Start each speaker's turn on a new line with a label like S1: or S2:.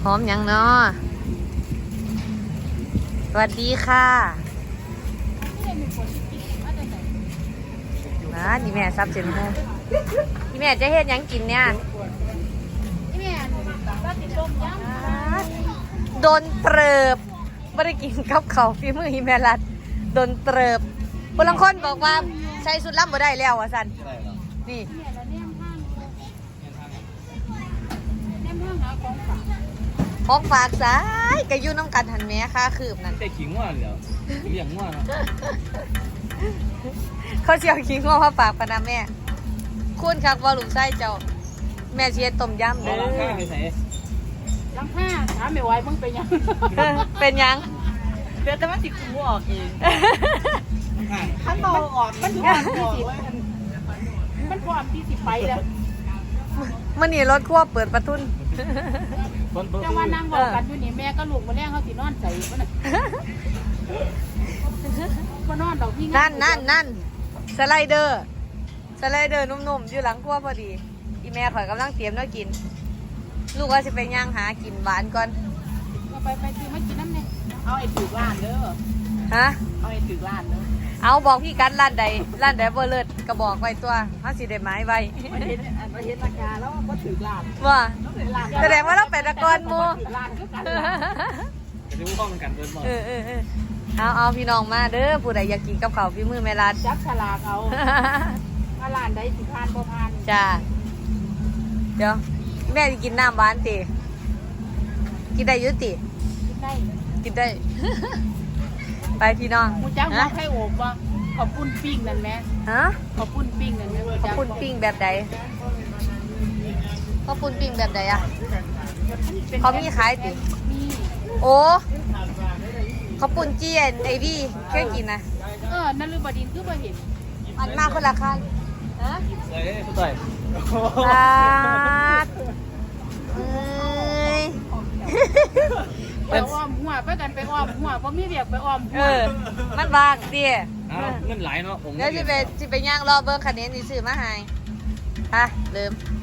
S1: อมยังเนาะสวัสดีค่ะนะนี่แม่ซับเส้นหูนี่แม่จะเฮ็ดยังกินเนี่ยโดนเติบไม่ได้กินกับเขาฝีมือฮิแม่รัดโดนเติบบางคนบอกว่าใช้สุดล้ำบ่ได้แล้วอ่ะสันนี่ของฝากสายกระยุ่น้ำกันหันแม่ค่าคืบนั่น
S2: แต่ขิงว่าเหรอขิงอย่างว่าเนาะ
S1: เขาเชียวขิงว่าฝากปะนะแม่คุณคักว่าลูกไส้เจ้าแม่เชียต้มยำเด้อ
S2: ล้างผ้าไปใส่
S3: ล้างผ้าถามไม่ไหวมึงเป็นยัง
S1: เป็นยัง
S3: เดี๋ยวแต่ว่าติดหูออกเองขั้นตอนออกมันทุกวันที่สิมันความที่สิไปแล้ว
S1: มันนี่รถขั้วเปิดประทุน
S3: จังว่านั่งบอกกันอยู่นี่แม่ก็ลูกมาแล้งเขาสินอนใส่มันมานอนดอกพี่
S1: นั่นสไลเดอร์นุ่มๆอยู่หลังขั้วพอดีอีแม่ข่อยกำลังเตรียมน้อยกินลูกว่าจะไปย่างหากินหวานก่อน
S3: ไปซื้อมากินน้ำเนี่ยเอาไอ้ถือร้านเด้อ
S1: ฮะ
S3: เอาไอ้ถือร้านเด้อ
S1: เอาบอกพี่กันร้านใดเบอร์เลิศก็บอกไว้ตัวเขาสิได้ไม้ไว้
S3: ประเทศราคาแล้วก็ถือร้าน
S1: ว่าแสดงว่าเราเป็นตะกอนมู
S3: ร้านก็กัน
S2: จะรู้ข้อมันกันเดินบ่
S1: เอาพี่น้องมาเด้อผู้ใดอยากกินกับข้าวฝีมือแม่รัด
S3: จับฉลากเอาร้านใดสิพานบ่พาน
S1: จ้าเดี๋ยวแม่จะกินน้ำหวานติกินได้ยุติกินได้ ไปพี่น้อง
S3: มูจักว่าใครโอบว่าขอบคุณปิ้งนั่นไหม
S1: ฮะ
S3: ขอบคุณปิ้งนั่นไหม
S1: ขอบคุณปิ้งแบบใดขอบคุณปิ้งแบบใดอ่ะเขามีขายติ
S3: มี
S1: โอ้ขอบคุณเจียนไอวี่เคยกินนะ
S3: นั่นลือบดินคือบ่เห็น
S1: อันมาคนละคันฮะ
S2: ใส่ผู้ต่อย
S3: ไปอ้อมหัวไปกันไปอ้อมหัวเพราะมีเบียกไปอ้อมหัว
S1: มันบางเตี้ย
S2: เงินไหลเนาะผม
S1: เดี๋ยวจะไปย่างรอเบิ้งคันนี้นี่ซื้อมาให้ฮะลืม